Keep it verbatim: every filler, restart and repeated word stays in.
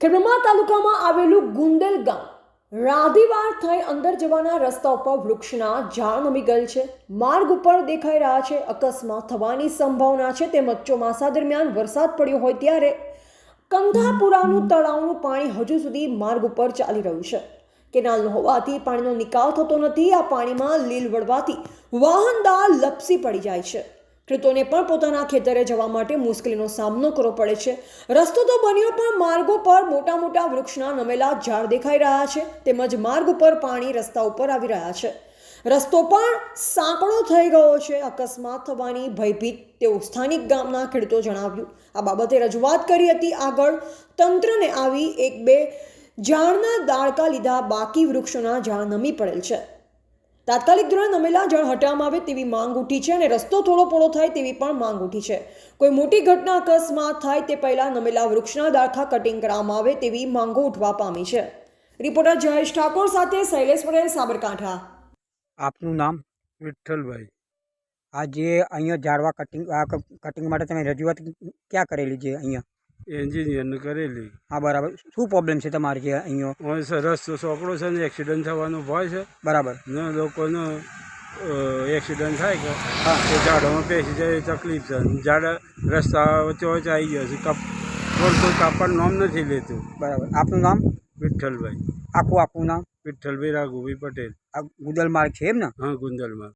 ખેડબ્રહ્મા તાલુકામાં આવેલું ગુંદેલ ગામ રાધીવાર થઈ અંદર જવાના રસ્તા ઉપર વૃક્ષના ઝાડ નમી ગયેલ છે. માર્ગ ઉપર દેખાઈ રહ્યા છે અકસ્માત થવાની સંભાવના છે. તેમજ ચોમાસા દરમિયાન વરસાદ પડ્યો હોય ત્યારે કંધાપુરાનું તળાવનું પાણી હજુ સુધી માર્ગ ઉપર ચાલી રહ્યું છે. કેનાલ હોવાથી પાણીનો નિકાલ થતો નથી. આ પાણીમાં લીલ વળવાથી વાહનદાર લપસી પડી જાય છે. ખેડૂતોને પણ પોતાના ખેતરે જવા માટે મુશ્કેલીનો સામનો કરવો પડે છે. રસ્તો તો બન્યો પણ માર્ગો પર મોટા મોટા વૃક્ષના નમેલા ઝાડ દેખાઈ રહ્યા છે. તેમજ માર્ગ ઉપર પાણી રસ્તા ઉપર આવી રહ્યા છે. રસ્તો પણ સાંકડો થઈ ગયો છે. અકસ્માત થવાની ભયભીત તેવું સ્થાનિક ગામના ખેડૂતો જણાવ્યું. આ બાબતે રજૂઆત કરી હતી. આગળ તંત્રને આવી એક બે ઝાડના દાળકા લીધા, બાકી વૃક્ષોના ઝાડ નમી પડેલ છે. તાત્કાલિક ધોરણે નમેલા ઝાડ હટાવવામાં આવે તેવી માંગ ઉઠી છે અને રસ્તો થોડો પોળો થાય તેવી પણ માંગ ઉઠી છે. કોઈ મોટી ઘટના અકસ્માત થાય તે પહેલા નમેલા વૃક્ષના દાળખા કટિંગ કરવામાં આવે તેવી માંગો ઉઠવા પામી છે. રિપોર્ટર જયેશ ઠાકોર સાથે શૈલેષ પટેલ, સાબરકાંઠા. આપનું નામ? વિઠ્ઠલભાઈ. આ જે અહીંયા ઝાડવા કટિંગ આ કટિંગ માટે તમે રજૂઆત ક્યાં કરેલી છે? અહીંયા એન્જિનિયરને કરેલી. હા, બરાબર. શું પ્રોબ્લેમ છે તમારે જે અહીંયા? હોય છે રસ્તો ચોકડો છે ને એક્સિડન્ટ થવાનો ભય છે. બરાબર. ને લોકોનો એક્સિડન્ટ થાય કે હા, એ ઝાડોમાં બેસી જાય એ તકલીફ છે. ઝાડ રસ્તા વચ્ચે વચ્ચે આવી ગયા છે. કપ રોડ કોઈ કાપવાનું નામ નથી લેતું. બરાબર. આપનું નામ? વિઠ્ઠલભાઈ. આખું આપનું નામ? વિઠ્ઠલભાઈ રાઘુભાઈ પટેલ. આ ગુદલ માર્ગ છે એમ ને? હા, ગુંદલમાં.